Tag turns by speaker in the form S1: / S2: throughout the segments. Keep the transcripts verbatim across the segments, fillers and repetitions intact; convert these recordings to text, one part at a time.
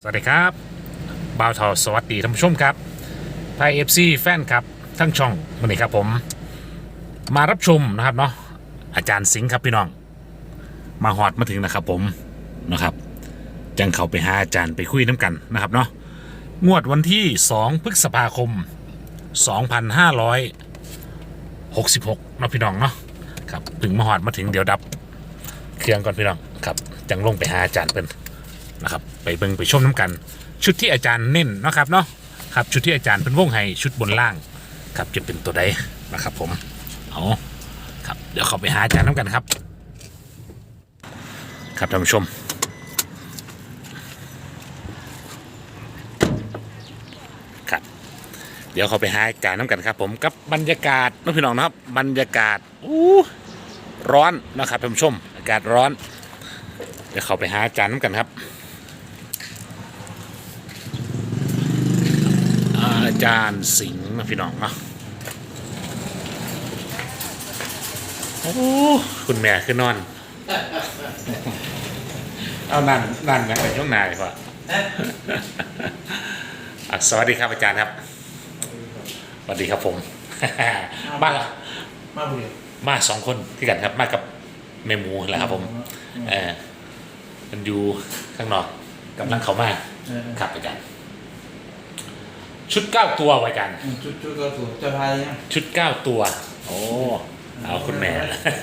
S1: สวัสดีครับบ่าวทอสวัสดีท่านผู้ชมครับไทยเอฟซีแฟนครับทั้งช่องวันนี้ครับผมมารับชมนะครับเนาะอาจารย์สิงห์ครับพี่น้องมาหอดมาถึงนะครับผมนะครับจังเขาไปหาอาจารย์ไปคุยน้ำกันนะครับเนาะงวดวันที่สองพฤษภาคมสองพันห้าร้อยหกสิบหกเนาะพี่น้องเนาะครับถึงมาหอดมาถึงเดี๋ยวดับเครื่องก่อนพี่น้องครับจังลงไปหาอาจารย์เป็นนะครับไปเบิ่งไปชมน้ำกันชุดที่อาจารย์เน้นนะครับเนาะครับชุดที่อาจารย์เป็นวงให้ชุดบนล่างครับจะเป็นตัวใดนะครับผมเอาครับเดี๋ยวเข้าไปหาอาจารย์น้ำกันครับครับท่านผู้ชมครับเดี๋ยวเข้าไปหาอาจารย์น้ำกันครับผมกับบรรยากาศน้องพี่น้องนะครับบรรยากาศอู้ร้อนนะครับท่านผู้ชมอากาศร้อนเดี๋ยวเข้าไปหาอาจารย์น้ำกันครับอาจารย์สิงห์นะพี่น้องเนาะโอ้คุณแม่คือนอนเอานั่นนั่นนะในช่วงนายพ่อสวัสดีครับอาจารย์ครับสวัสดีครับผมมาละ
S2: มาบุรี
S1: มาสองคนที่กันครับมากับแม่หมูแหละครับผมเออมันอยู่ข้างนอกกำลังเข้ามาครับอาจารย์ชุดเก้าตัวอาจารย์
S2: ชุดชุดก็ถูกจะพายนะ
S1: ชุดเก้าตัวโอ้เอาคุณแม่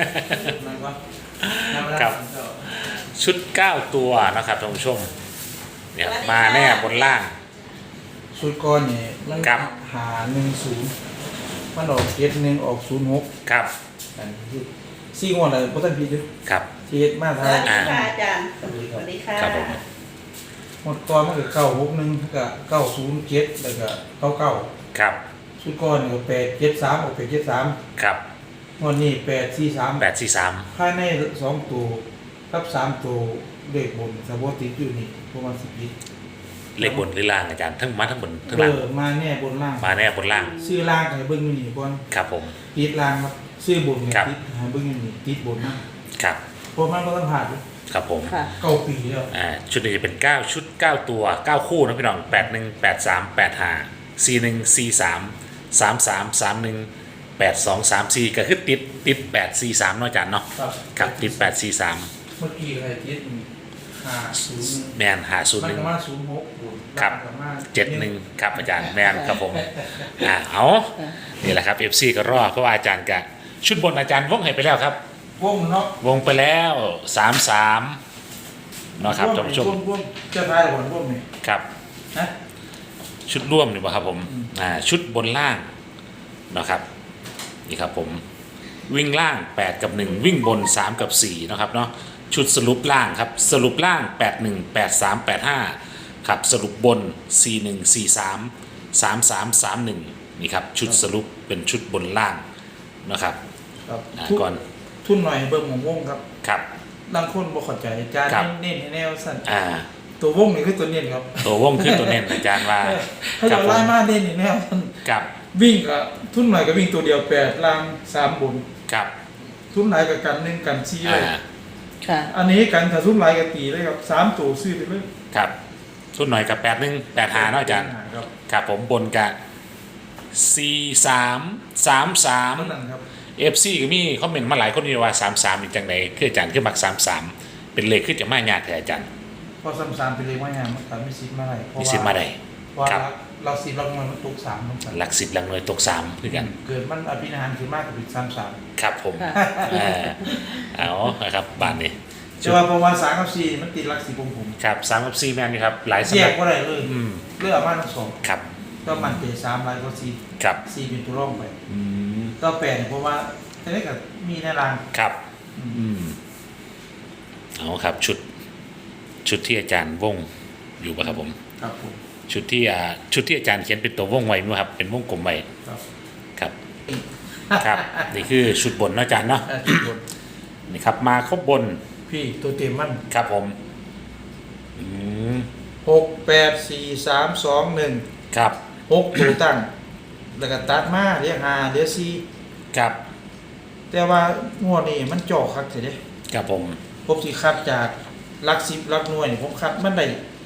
S1: ครับชุดเก้าตัวนะครับท่านผู้ชมเนี่ยมาแน่บนล่าง
S2: ชุดก้อนนี่มันหาหนึ่งศูนย์มันออกเจ็ดหนึ่งออกศูนย์หก
S1: ครับ
S2: อันนี้ซี่งวดอะไรพุทธพีด้วย
S1: ครับ
S2: เจ็ดมาทาย
S3: สวัสดีค่ะอาจารย์สวัสดีค่ะ
S1: ครับผม
S2: หมดก้อนมันก็เก้าหกหนึ่งก็เก้าศูนย์เจ็ดแล้วก็เก้าเก้า
S1: ครับ
S2: ชุดก้อนนี่แปดเจ็ดสามออกแปดเจ็ดสาม
S1: ครับ
S2: งวดนี้แปดสี่สาม
S1: แปดสี่สาม
S2: ภายในสองตัวกับสามตัวเลขบนสะโพกติดอยู่นี่ประมาณสิบปี
S1: เลขบนหรือล่างอาจารย์ทั้งมาทั้งบนทั้งล่าง
S2: มาแน่บนล่าง
S1: มาแน่บนล่าง
S2: ซื้อล่างให้เบิ้งนี่ก่อน
S1: ครับผม
S2: ติดล่างครับซื้อบนเนี่ยติดให้เบิ้งนี่ติดบนนะครับเพราะมันก็ต้องผ่าน
S1: ครับผม
S2: เก้าปีแล้ว
S1: อ่าชุดนี้จะเป็นเก้าชุดเก้าตัวเก้าคู่นะพี่น้องแปดหนึ่งแปดสามแปดห้าสี่หนึ่งสี่สามสามสามสามหนึ่งแปดสองสามสี่ก็คือติดติดแปดสี่สามเนาะอาจารย์เนาะครับติดแปดสี่สาม
S2: เมื่อกี้ใครติดห้าศูนย์
S1: แมนหาศูนย์หนึ่ง
S2: มาศูนย์หก
S1: ครับเจ็ดหนึ่งครับอาจารย์แมนครับผมอ่าเอานี่แหละครับเอฟซีก็รอเพราะว่าอาจารย์กะชุดบนอาจารย์วงให้ไปแล้วครับ
S2: วงเนาะ
S1: วงไปแล้วสามสามเนาะครับท่านผู้ชม
S2: จะทายบนวงนี่
S1: ครับ
S2: นะ
S1: ชุดร่วมนี่ป่ะครับผมอ่าชุดบนล่างนะครับนี่ครับผมวิ่งล่างแปดกับหนึ่งวิ่งบนสามกับสี่นะครับเนาะชุดสรุปล่างครับสรุปล่างแปดหนึ่งแปดสามแปดห้าครับสรุปบนสี่หนึ่งสี่สามสามสามสามหนึ่งนี่ครับชุดสรุปเป็นชุดบนล่างนะครับก่อน
S2: ทุนหน่อยเบิ่งของวงครับ
S1: ครับ
S2: บางคนบ่เข้าใจอาจารย์เน้นให้แนวสั้น
S1: อ่า
S2: ตัววงนี่คือตัวเน้นครับ
S1: ตัววงคือตัวเน้นอาจารย์ว่า
S2: ถ้าเราไล่มาเน้นให้แนวสั้น
S1: ครับ
S2: วิ่งก็ทุนหน่อยก็วิ่งตัวเดียวแปดล่างสามบน
S1: ครับ
S2: ทุนหลายกับกันหนึ่งกันสี่เลย
S3: ค่ะ
S2: อันนี้กันถ้าทุนหลายกับตีเลยครับสามตัวซื้อไปเลย
S1: ครับทุนหน่อยกับแปดหนึ่งแปดหาเนาะอาจารย์ครับผมบนกับสี่สามสามสามเอฟซีก็มีคอมเมนต์มาหลายคนนี่ว่าสามสามอีกจังไหนคืออาจารย์คือมักสามสามเป็นเลขขึ้นจะไม่ยากแต่อาจารย์
S2: พอสามสามเป็นเลขไม่ยากมันก็มีสิบมาได้
S1: มีสิบมาได้
S2: ครับเราสิบลักหน่วยมันตกสาม
S1: หลักสิบลักหน่วยตกสามคือกัน
S2: เกิดมันอภินิหารคือมากกว่าสามสาม
S1: ครับผมเอาครับบ้านนี้
S2: จะว่าประมาณสามกับสี่มันติดหลักสี่ผมผม
S1: ครับสามกับสี่แม่นี่ครับหลาย
S2: สำนักแยกว่าอะไรเลยเลือกมาทั้งสอง
S1: ครับ
S2: ก็มันเตะสามลายก็สี่
S1: ครับ
S2: สี่เป็นตัวร่องไปก็แปลเพราะว่าทีนี้ก็มีในราง
S1: ครับอืมเอาครับชุดชุดที่อาจารย์วงอยู่ป่ะครับผม
S2: ครับผม
S1: ชุดที่อ่าชุดที่อาจารย์เขียนเป็นตัววงไว้มั้ยครับเป็นวงกลมไว้ครับครับนี่คือชุดบนนะอาจารย์เนาะนี่ครับมาครบบน
S2: พี่ตัวเต็มมัน
S1: ครับผมอืม
S2: หกแปดสี่สามสองหนึ่ง
S1: ครับ
S2: หกตัวตั้งแล้วก็ตัดมาเรียกห้าเรียกสี่
S1: ครับ
S2: แต่ว่างวดนี้มันจ่อคักเสียเด้
S1: ครับผม
S2: ผมสิคัดจากหลักสิบหลักหน่วยผมคัดมันได้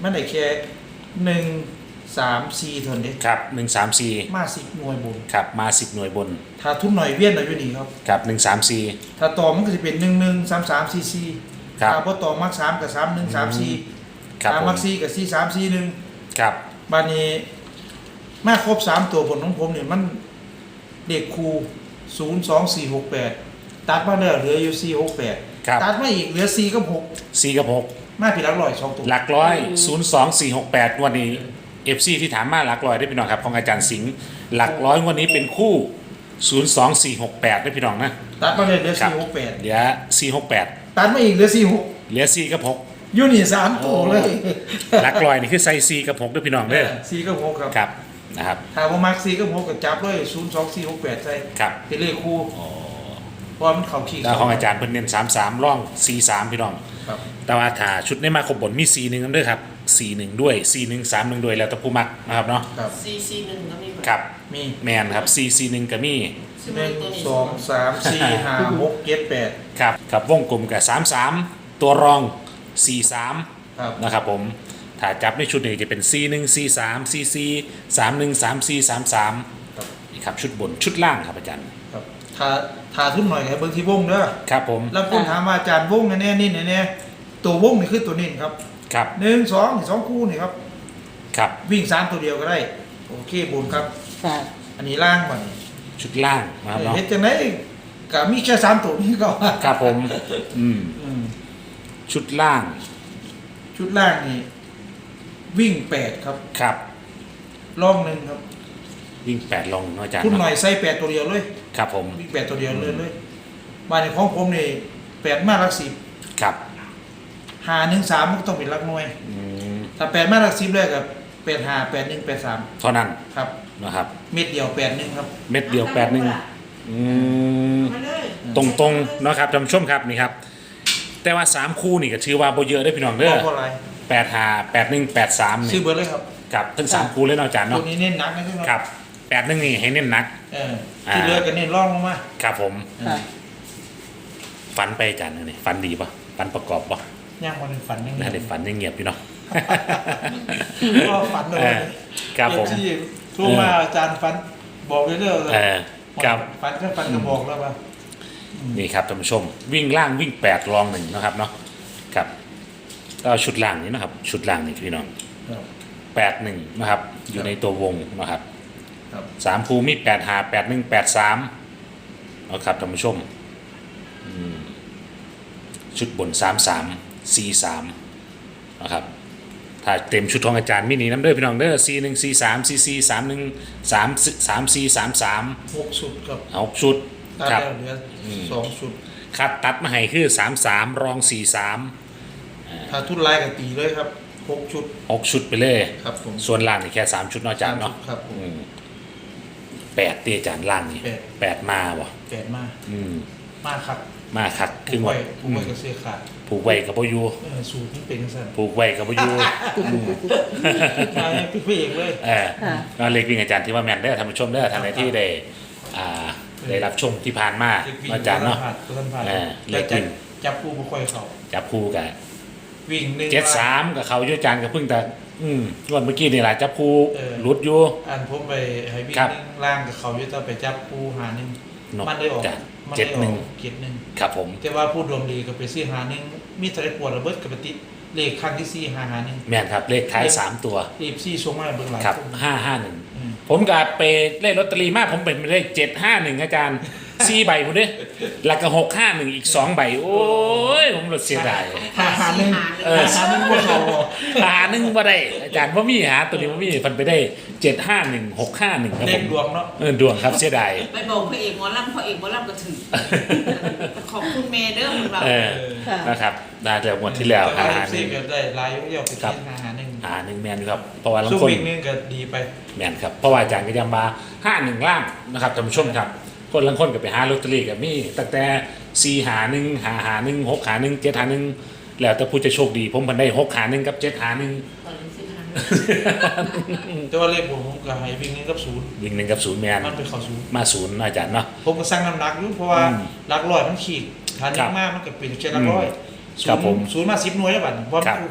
S2: มันได้แค่หนึ่งสามสี่เท่านี้
S1: ครับหนึ่งสามสี่
S2: มาสิบหน่วยบน
S1: ครับมาสิบหน่วยบน
S2: ถ้าทุนหน่อยเวียนเราอยู่นี่ครับ
S1: ครับหนึ่งสามสี่
S2: ถ้าต่อมันก็จะเป็นหนึ่งหนึ่งสามสามสี่สี่
S1: ครับ
S2: ถ้าพอต่อมักสามกับสามหนึ่งสามสี่
S1: ครับ
S2: ถ้า
S1: ผม
S2: มักสี่กับสี่สามสี่หนึ่ง
S1: ครับ
S2: บานนี้มาครบสามตัวบนของผมเนี่ยมันเด็กครูศูนย์สองสี่หกแปดตัดมาแล้วเหลืออยู่สี่หกแปด
S1: ครับ
S2: ตัดมาอีกเหลือสี่กับหก
S1: สี่กับหก
S2: มาผิดหลักร้อยสองตัว
S1: หลักร้อยศูนย์สองสี่หกแปดวันนี้เอฟซีที่ถามมาหลักร้อยได้พี่น้องครับของอาจารย์สิงห์หลักร้อยวันนี้เป็นคู่ศูนย์สองสี่หกแปดได้พี่น้องนะ
S2: ตัดมาเลยเหลือ
S1: ครับ
S2: สี่หกแปด
S1: เหลือสี่หกแปด
S2: ตัดมาอีกเหลือสี่หก
S1: เหลือสี่กับหก
S2: ยูนี่สามตัวเลย
S1: หลักร้อยนี่คือใส่สี่กับหกด้วยพี่น้องเด้อ
S2: สี่กับหกครับ
S1: ครับนะครับ
S2: ถ้าผมมักสี่กับหกกับจับเลยศูนย์สองสี่หกแปดใช่
S1: ครับ
S2: เป็นเลขคู่เพราะมันเข่าขี้
S1: แล้วของอาจารย์เพิ่นเน้นสามสามร่องสี่สามพี่น้อง
S2: ครับ
S1: แต่ว่าถ้าชุดในมาครบบนมีสี่หนึ่งนั่นด้วยครับสี่หนึ่งด้วยสี่หนึ่งสามหนึ่งด้วยแล้วแต่ผู้มักนะครับเนาะ
S2: ครับ
S3: ซีซีหนึ่งก็มี
S1: ครับ
S2: มี
S1: แมนครับสี่สี่หนึ่งก็มี
S2: หนึ่งสองสามสี่ห้าหกเจ็ดแปด
S1: ครับครับวงกลมกับสามสามตัวรองสี่สาม
S2: ครับ
S1: นะครับผมถ้าจับในชุดนี้จะเป็นสี่หนึ่งสี่สามสี่สี่สามหนึ่งสามสี่สามสาม
S2: ครับ
S1: นี่ครับชุดบนชุดล่างครับอาจารย์
S2: ครับถ้าถ้าทุ่มหน่อยให้เบิ่งที่วงเด้อ
S1: ครับผม
S2: แล้วคนถามว่าอาจารย์วงแน่ๆนี่แน่ๆตัววงนี่คือตัวนี้ครับ
S1: ครับ
S2: หนึ่งสองนี่สองคู่นี่ครับ
S1: ครับ
S2: วิ่งสามตัวเดียวก็ได้โอเคบนครับ
S3: ค่ะ
S2: อันนี้ล่างก่อนนี่
S1: ชุดล่างนะครับเนาะ
S2: เฮ็ดจังไดก็มีแค่สามตัวนี้ก็
S1: ครับผมอืม
S2: อืม
S1: ชุดล่าง
S2: ชุดล่างนี่วิ่งแปดครับ
S1: ครับ
S2: ล่องหนึ่งครับ
S1: วิ่งแปดลงเนาะอาจารย์
S2: คุณหน่
S1: เนาะ
S2: อยใส่แปดตัวเดียวเลย
S1: ครับผม
S2: วิ่งแปดตัวเดียวเลยเลยมาในของผมนี่แปดมาหลักสิบ
S1: ครับ
S2: หาหนึ่งสามมันก็ต้องเป็นหลักหน่วย
S1: อืม
S2: ถ้าแปดมาหลักสิบเลยกับแปดหาแปดหนึ่งแปดสาม
S1: เท่านั้น
S2: ครับ
S1: นะครับ
S2: เม็ดเดียวแปดหนึ่งครับ
S1: เม็ดเดียวแปดหนึ่งอืม
S3: มาเลย
S1: ตรงตรงๆเนาะครับท่านผู้ชมครับนี่ครับ แต่ว่าสามคู่นี่ก็ถือว่าโบเยอะได้อพี่น้องเด้อ
S2: เพราะอะไร
S1: แปดหาแปดหนึ่งแปดสาม
S2: ซื้
S1: นี่
S2: อเบอร์เลยครับ
S1: กับทั้งสามคู่เลยเนาะอาจารย์
S2: ตัว
S1: เนาะ
S2: นี้เน้นหนักนะครับ
S1: ครับแปดหนึ่งนี่ให้เน้นหนัก
S2: เออที่เหลือก็เน้นร่องลงมา
S1: ครับผม
S3: ค่ะ
S1: ฝันไปอาจารย์นี่ฝันดีปะฝันประกอบปะ
S2: ย่างมันฝันยังไง
S1: น่าได้ฝันยังเงียบอยู่เนาะ
S2: ก็ฝันเลย
S1: เออครับผม
S2: ที่ทั่วมาอาจารย์ฝันบอกเรื่อยๆเลย
S1: เออครับ
S2: ฝันก็ฝันก็บอกแล้วว่า
S1: นี่ครับท่านผู้ชม วิ่งล่างวิ่งแปดรองหนึ่งนะครับเนาะครับก็ชุดล่างนี้นะครับ ชุดล่างนี่พี่น้อง
S2: ครับ
S1: แปดหนึ่งนะครับ อยู่ในตัววงนะครับ
S2: ครับ
S1: สามคูมีแปดหาแปดหนึ่งแปดสามเอาครับท่านผู้ชมอืมชุดบนสามสามสี่สามนะครับถ้าเต็มชุดของอาจารย์มินิน้ำเด้อพี่น้องเด้อสี่หนึ่งสี่สามสี่สี่สามหนึ่งสามสามสี่สามสาม
S2: หกชุดครับ
S1: เอาชุด
S2: ตัด
S1: ครับ
S2: แล้วเหลืออสองชุด
S1: คัดตัดมาให้คือสามสามรองสี่สาม
S2: ถ้าทุนลายกับตีเลยครับหกชุด
S1: หกชุดไปเลย
S2: ครับผม
S1: ส่วนล่างนี่แค่สามชุดเนาะอาจารย์เนาะ
S2: ครับผม
S1: อืมแปดตีอาจารย์ล่างนี่
S2: แปด
S1: แปดมาบ่
S2: แปดมาก
S1: อืม
S2: มากครับ
S1: มาคักค
S2: ผู
S1: รึ่
S2: ก
S1: ง
S2: ไว้
S1: วัน
S2: ผูกไว้กับเสื้อขาด
S1: ผูกไว้กับพยู
S2: เออสูตรนี่เป็นสั้น
S1: ผูกไว้กับพยู
S2: มาให้พี่พี่เองเลย
S1: เออ
S3: ค่ะ
S1: ก็เลขวิ่งอาจารย์ที่ว่าแมนเด้อท่านผู้ชมเด้อท่านใดที่ได้อ่าได้รับชมที่ผ่านมา
S2: เด็กวิ่ง
S1: อาจารย์เนาะ
S2: ตัวท่านผ่าน
S1: เออ
S2: แต่
S1: เด็กวิ่
S2: จับ
S1: ง
S2: จับผู้บุคคลเขา
S1: จับคู่กับ
S2: วิ่งหนึ่ง
S1: เจ็ดสามกับเขาอยู่อาจารย์ก็เพิ่งแต่อืมงวันเมื่อกี้นี่แหละจับคู่
S2: เออ
S1: หลุดอยู่
S2: อันผมไปให้วิ่ง
S1: ครับ
S2: หนึ่งล่างกับเขาอยู่แต่ไปจับผู้หาหนึ่ง
S1: นก
S2: มันได้ออก
S1: จ้ะ
S2: มัน
S1: เจ็
S2: ได้
S1: ด
S2: อ
S1: หนึ่
S2: อง กเจ็ดหนึ่ง
S1: ครับผม
S2: แต่ว่าผู้ดวงดีก็ไปซื้อหาหนึ่งมีทะเลปวดระเบิดกับปฏิเลขครั้งที่สี่หาหาหนึ่ง
S1: แม่นครับเลขท้ายสามตัว
S2: รีบซี่ส่งมาเบื้องหลัง
S1: ครับ
S2: ผม
S1: ห้าห้าหนึ่ง
S2: อืม
S1: ผมกับไปเล่นลอตเตอรี่มากผมเป็นไปได้เจ็ดห้าหนึ่งอาจารย์สี่ใบผมเด้แล้วก็หกห้าหนึ่งอีกสองใบ โอ้ย ผมรถเสียดาย
S2: หาหาหนึ่ง
S1: เออ
S2: หาหนึ่งว่าเขาบ่
S1: หาหนึ่งบ่ได้ อาจารย์ว่ามีหาตัวนี้ว่ามีพันไปได้เจ็ดห้าหนึ่งหกห้าหนึ่งครับ
S2: เล
S1: ผ
S2: ข
S1: ม
S2: ดวงเนาะ
S1: เออดวงครับเสียดาย
S3: ไปบอกพระเอกหมอลำพระเอกหมอลำก็ถือ ขอบคุณเมย์เด้อของเรา
S1: เออ
S3: ค่ะ
S1: นะครับได้แต่หมดที่แล้ว
S2: แต่
S1: หา
S2: ว่า
S1: ห
S2: ซี
S1: นึ่ง
S2: ก็ได้ลายยกๆไป
S1: ครั
S2: ที่
S1: บ
S2: หาหาหนึ่ง
S1: หาหนึ่งแมนอยู่ครับเพราะว่าลัง
S2: สู้
S1: คน
S2: วิ่งหนึงก็ดีไป
S1: แมนครับเพราะว่าอาจารย์ก็ยังมาห้าหนึ่งล่างนะครับท่านผู้ชมครับคนลังคนก็ไปหาลอตเตอรี่กับมีตั้งแต่สี่หาหนึ่งหาหาหนึ่งหกหาหนึ่งเจ็ดหาหนึ่งแล้วแต่ผู้จะโชคดีผมพันได้หกหาหนึ่งกับเจ็ดหาหนึ่ง
S3: ตอนนี้สิคะ
S2: แต่ว่าเลขผมผมก็ให้วิ่งหนึงกับศูนย์
S1: วิ่งหนึ่งกับศูนย์แมน
S2: มันเป็นเข้าศูนย์
S1: มาศูนย์อาจารย์เนาะ
S2: ผมก็สร้างน้ำหนักอยู่เพราะว่า
S1: อืม
S2: หลักร้อยมันขีดฐาน
S1: ครั
S2: นี้
S1: บ
S2: มากมันก็เป็นเช่นหลักร้อยศู
S1: ครับ
S2: นย์
S1: ผม
S2: ศูนย์มาสิบหน่วยแล้วบัดเพราะ
S1: ครับ
S2: คู่คู่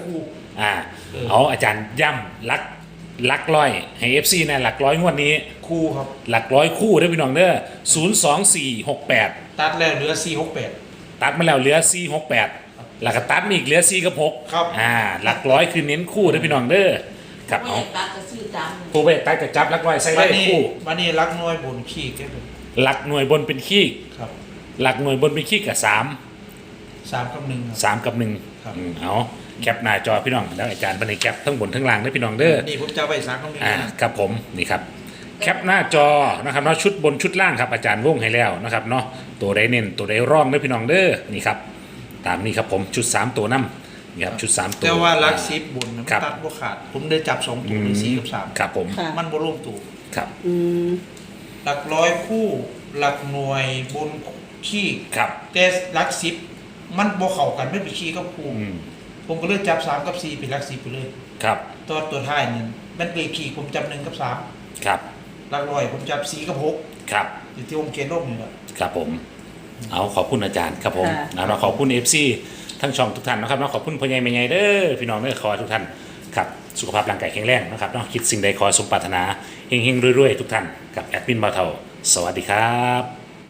S1: อ่า
S2: เออ
S1: เอาอาจารย์ย่ำลักลักร้อยให้เอฟซีนะหลักร้อยงวดนี้
S2: คู่ครับ
S1: หลักร้อยคู่เด้อพี่น้องเด้อศูนย์สองสี่หกแปด
S2: ตัดแล้วเหลือสี่หกแปด
S1: ตัดมาแล้วเหลือสี่หกแปดแล้วก็ตัดมาอีกเหลือสี่กับหก
S2: ครับ
S1: อ่าหลักร้อยคือเน้นคู่เด้อพี่น้องเด้อครับ
S3: ไม่
S1: เอา
S3: อยากตัดก็ซื้อตาม
S1: ผู้ไปตัดกับจับหลักร้อยใส่
S2: วั
S1: ได้
S2: นนี้
S1: คู่
S2: วันนี้รักน้อยบนขี้แค่เป็น
S1: หลักหน่วยบนเป็นขี้
S2: ครับ
S1: หลักหน่วยบนเป็นขี้กับสาม
S2: สามกับหนึ่งครับ
S1: สามกับหนึ่ง
S2: ครับ
S1: อืมเอาแคปหน้าจอพี่น้องแล้วอาจารย์บันในแคปทั้งบนทั้งล่างเด้อพี่น้องเด้อ
S2: นี่ผมจะเอาไปสามกับหนึ่ง
S1: อ่า
S2: นะครับ
S1: ผมนี่ครับแคปหน้าจอนะครับเนาะชุดบนชุดล่างครับอาจารย์วงให้แล้วนะครับเนาะตัวใดเน้นตัวใดร่องเด้อพี่น้องเด้อนี่ครับตามนี้ครับผมชุดสามตัวน้ำนี่ครับชุดสามตัว
S2: แต่ว่ารักซิบบนนะมัน
S1: ครับ
S2: ตัดบ่ขาด ผมได้จับสองตัวมีสี่กับสาม
S1: ครับผม
S4: ค่ะ
S2: มันบ่ลงตัว
S1: ครับ
S4: อืม
S2: หลักร้อยคู่หลักหน่วยบนขี้
S1: ครับ
S2: แต่หลักสิบมันบ่เข้ากันไม่ไปขี้กับคู่
S1: อืม
S2: ผมก็เลยจับสามกับสี่เป็นหลักสิบไปเลย
S1: ครับ
S2: ตัวตัวท้ายนี่มันเลขขี้ผมจับหนึ่งกับสาม
S1: ครับ
S2: หลักร้อยผมจับสี่กับหก
S1: ครับ
S2: อยู่ที่ผมเขียนลงนี่แหละ
S1: ครับผมเอาขอบคุณอาจารย์ครับผม
S4: ค่ะ
S1: นะเราขอบคุณเอฟซีทั้งช่องทุกท่านนะครับเนาะขอบคุณพ่อใหญ่แม่ใหญ่เด้อพี่น้องเด้อขอให้ทุกท่านครับสุขภาพร่างกายแข็งแรงนะครับเนาะคิดสิ่งใดขอสมปรารถนาเฮงๆรวยๆทุกท่านกับแอดมินบาวเทาสวัสดีครับ